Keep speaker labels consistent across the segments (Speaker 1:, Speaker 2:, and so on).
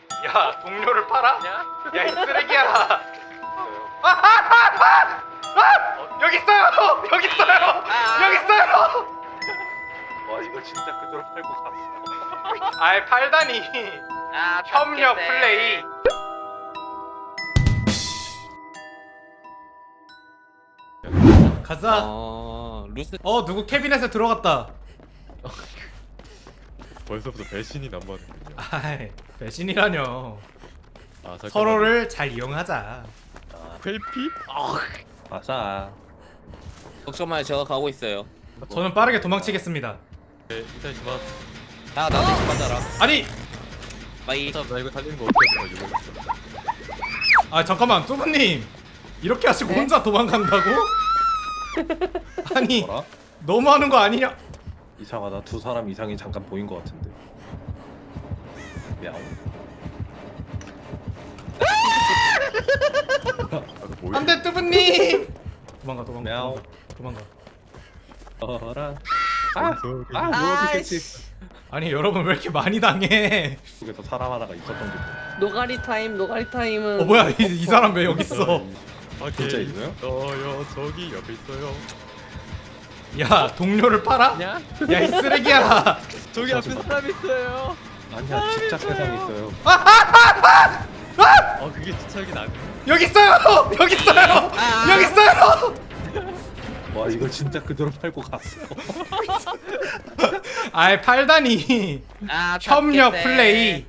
Speaker 1: 야, 동료를 팔아? 야, 이 쓰레기야. 여기 있어요. 여기 있어요. 여기 있어요.
Speaker 2: 와 이거 진짜 그대로 팔고 갔어.
Speaker 1: 아이, 팔다니. 협력 플레이. 가자.
Speaker 3: 루스.
Speaker 1: 누구 캐비넷에 들어갔다.
Speaker 4: 벌써부터 배신이 남았는군요.
Speaker 1: 아이, 배신이라뇨.
Speaker 4: 아, 잠깐만요.
Speaker 1: 서로를 잘 이용하자.
Speaker 4: 회피?
Speaker 2: 아싸.
Speaker 3: 걱정 마요, 제가 가고 있어요.
Speaker 1: 저는 빠르게 도망치겠습니다.
Speaker 4: 네, 이타시마스.
Speaker 3: 나 대신 받아라.
Speaker 1: 아니,
Speaker 4: 나
Speaker 3: 바이.
Speaker 4: 이거 달리는 거 어떻게 할 거야, 이거.
Speaker 1: 아 잠깐만, 뚜부님 이렇게 하시고
Speaker 5: 네?
Speaker 1: 혼자 도망간다고? 아니,
Speaker 2: 뭐라?
Speaker 1: 너무하는 거 아니냐?
Speaker 2: 이상하다. 두 사람 이상이 잠깐 보인 것 같은데. 야옹.
Speaker 4: 뭐야?
Speaker 1: 안돼, 뚜부님. 도망가, 도망가,
Speaker 2: мяу.
Speaker 1: 도망가.
Speaker 2: 어라.
Speaker 4: 누워있겠지.
Speaker 1: 아니 여러분, 왜 이렇게 많이 당해?
Speaker 2: 속에서 사람 하나가 있었던 게
Speaker 5: 노가리 타임, 노가리 타임은
Speaker 1: 뭐야, 이 사람 왜 여기 있어?
Speaker 4: 아,
Speaker 2: 진짜
Speaker 4: 걔
Speaker 2: 있어요?
Speaker 4: 있어요. 저기 옆에 있어요.
Speaker 1: 야, 동료를 팔아?
Speaker 4: 야?
Speaker 1: 야, 이 쓰레기야.
Speaker 4: 저기 앞에 사람 있어요.
Speaker 2: 아니야 진짜 세상 있어요.
Speaker 4: 그게 주차하긴 안 돼.
Speaker 1: 여기 있어요. 여기 있어요. 여기 있어요.
Speaker 2: 와 이거 진짜 그대로 팔고 갔어.
Speaker 1: 아이, 팔다니. 협력 플레이.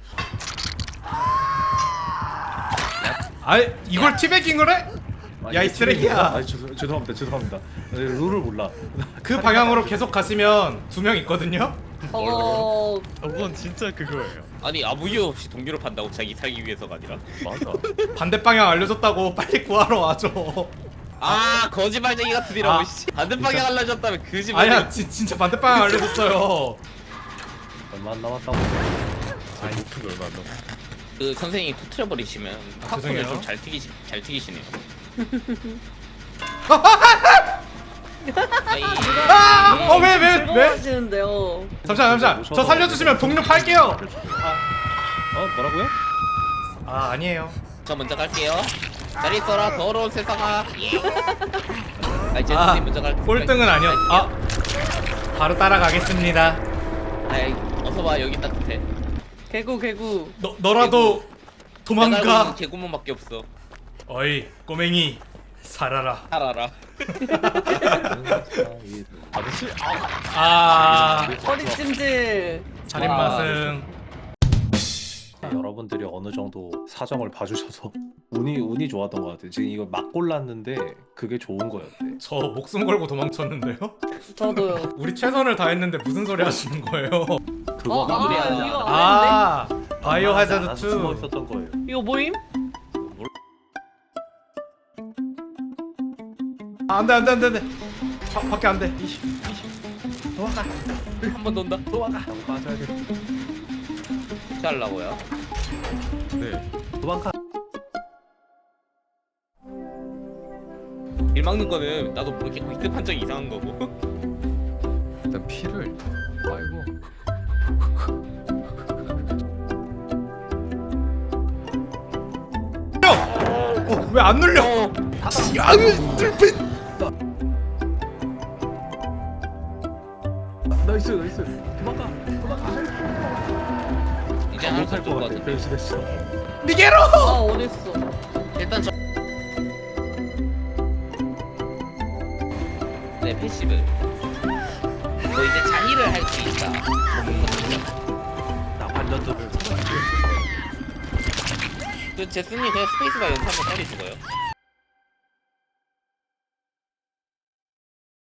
Speaker 1: 아이, 이걸 티베깅을 해? 야, 이 쓰레기야.
Speaker 2: 아 죄송합니다. 룰을 몰라.
Speaker 1: 그 방향으로 계속 가시면 두 명 있거든요.
Speaker 4: 저건 진짜 그거예요.
Speaker 3: 아니 아무 이유 없이 동료를 판다고 자기 살기 위해서가 아니라.
Speaker 4: 맞아.
Speaker 1: 반대 방향 알려줬다고 빨리 구하러 와줘.
Speaker 3: 거짓말쟁이 같으니라고. 씨. 반대 방향 알려줬다면 거짓말.
Speaker 1: 아니야, 진짜 반대 방향 알려줬어요.
Speaker 2: 얼마 안 남았다고.
Speaker 4: 제 목표 얼마 안 남았어.
Speaker 3: 그 선생님이 터트려 버리시면 팝콘을
Speaker 1: 죄송해요.
Speaker 3: 좀 잘 튀기시네요. 아이.
Speaker 1: 왜?
Speaker 5: 하시는데요.
Speaker 1: 잠시만. 저 살려주시면 동료 팔게요.
Speaker 2: 뭐라고요?
Speaker 1: 아, 아니에요.
Speaker 3: 저 먼저 갈게요. 잘 있어라 더러운 세상아. 제수님 먼저 갈게요.
Speaker 1: 꼴등은 아니었. 바로 따라가겠습니다.
Speaker 3: 아이 어서 와, 여기 따뜻해.
Speaker 5: 개구.
Speaker 1: 너라도 도망가.
Speaker 3: 개구멍밖에 없어.
Speaker 1: 어이, 꼬맹이, 살아라.
Speaker 3: 살아라.
Speaker 4: 아저씨?
Speaker 5: 허리 찜질.
Speaker 1: 살인 맛은.
Speaker 2: 여러분들이 어느 정도 사정을 봐주셔서 운이 좋았던 것 같아요. 지금 이거 막 골랐는데 그게 좋은 거였대.
Speaker 1: 저 목숨 걸고 도망쳤는데요?
Speaker 5: 저도요.
Speaker 1: 우리 최선을 다했는데 무슨 소리 하시는 거예요?
Speaker 2: 그거
Speaker 3: 마무리야.
Speaker 5: 이거 안
Speaker 1: 바이오 하자드
Speaker 2: 나서 숨어
Speaker 1: 2.
Speaker 2: 있었던 거예요.
Speaker 5: 이거 뭐임?
Speaker 1: 안돼. 밖에 안돼. 도망가.
Speaker 3: 한 번 돈다.
Speaker 2: 도망가. 맞아야 돼.
Speaker 3: 어떻게 하려고요?
Speaker 4: 네.
Speaker 2: 도망가.
Speaker 3: 일 막는 거는 나도 모르게 위급 판정이 이상한 거고.
Speaker 4: 일단 피를. 아이고.
Speaker 1: 왜 안 눌려?
Speaker 2: 나이스. 도망가.
Speaker 3: 이제 하나
Speaker 2: 못할
Speaker 3: 더
Speaker 2: 것
Speaker 3: 것
Speaker 2: 같아.
Speaker 3: 같아.
Speaker 2: 변신했어.
Speaker 1: 니게로.
Speaker 5: 어딨어?
Speaker 3: 일단 저. 네, 패시브. 너 이제 장의를 할 수 있다.
Speaker 2: 나 완전 또
Speaker 3: 그 제스님 그냥 스페이스바 연습 한번 빨리 죽어요.